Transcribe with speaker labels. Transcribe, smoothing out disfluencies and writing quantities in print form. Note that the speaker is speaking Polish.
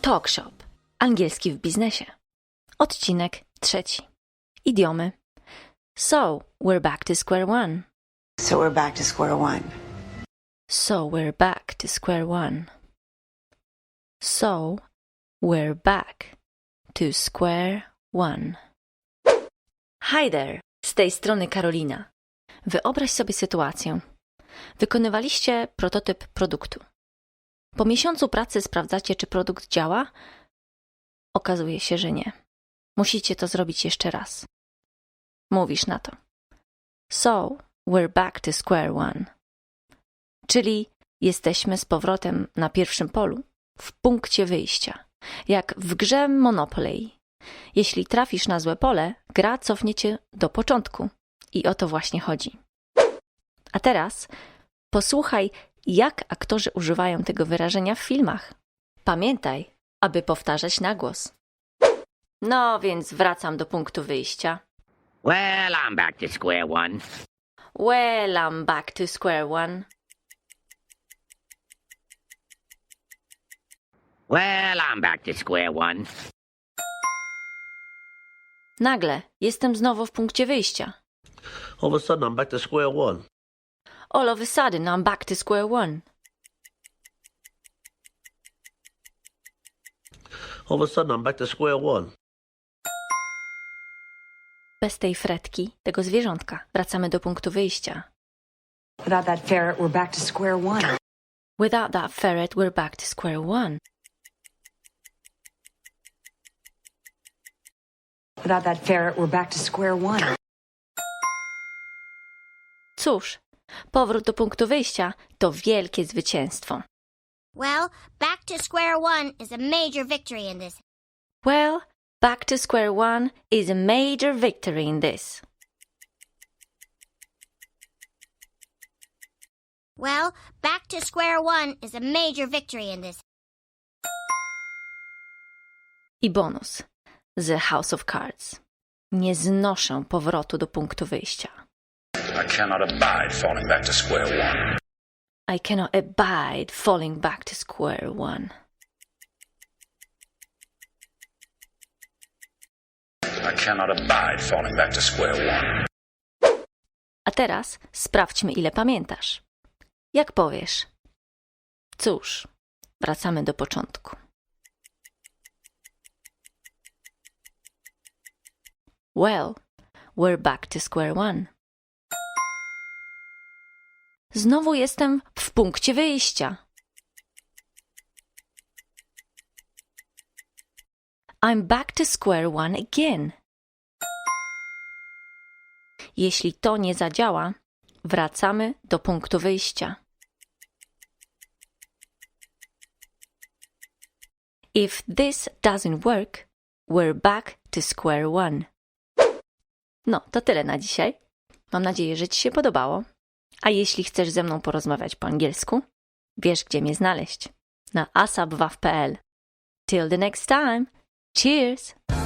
Speaker 1: Talk Shop. Angielski w biznesie. Odcinek 3. Idiomy. So, we're back to square one.
Speaker 2: So we're back to square one.
Speaker 1: So, we're back to square one. So, we're back to square one. Hi there, z tej strony Karolina. Wyobraź sobie sytuację. Wykonywaliście prototyp produktu. Po miesiącu pracy sprawdzacie, czy produkt działa? Okazuje się, że nie. Musicie to zrobić jeszcze raz. Mówisz na to. So, we're back to square one. Czyli jesteśmy z powrotem na pierwszym polu, w punkcie wyjścia. Jak w grze Monopoly. Jeśli trafisz na złe pole, gra cofnie cię do początku. I o to właśnie chodzi. A teraz posłuchaj, jak aktorzy używają tego wyrażenia w filmach. Pamiętaj, aby powtarzać na głos. No więc wracam do punktu wyjścia.
Speaker 3: Well, I'm back to square one.
Speaker 1: Well, I'm back to square one.
Speaker 3: Well, I'm back to square one.
Speaker 1: Nagle jestem znowu w punkcie wyjścia.
Speaker 4: All of a sudden, I'm back to square one.
Speaker 1: All of a sudden, I'm back to square one.
Speaker 4: All of a sudden, I'm back to square one.
Speaker 1: Bez tej fretki, tego zwierzątka, wracamy do punktu wyjścia.
Speaker 2: Without that ferret, we're back to square one.
Speaker 1: Without that ferret, we're back to square one.
Speaker 2: Without that ferret, we're back to square one.
Speaker 1: Cóż, powrót do punktu wyjścia to wielkie zwycięstwo.
Speaker 5: Well, back to square one is a major victory in this.
Speaker 1: Well, back to square one is a major victory in this.
Speaker 5: Well, back to square one is a major victory in this.
Speaker 1: I bonus. The House of Cards. Nie znoszę powrotu do punktu wyjścia.
Speaker 6: I cannot abide falling back to square one.
Speaker 1: I cannot abide falling back to square one.
Speaker 6: I cannot abide falling back to square one.
Speaker 1: A teraz sprawdźmy, ile pamiętasz. Jak powiesz? Cóż, wracamy do początku. Well, we're back to square one. Znowu jestem w punkcie wyjścia. I'm back to square one again. Jeśli to nie zadziała, wracamy do punktu wyjścia. If this doesn't work, we're back to square one. No, to tyle na dzisiaj. Mam nadzieję, że Ci się podobało. A jeśli chcesz ze mną porozmawiać po angielsku, wiesz, gdzie mnie znaleźć. Na asapwaw.pl. Till the next time. Cheers!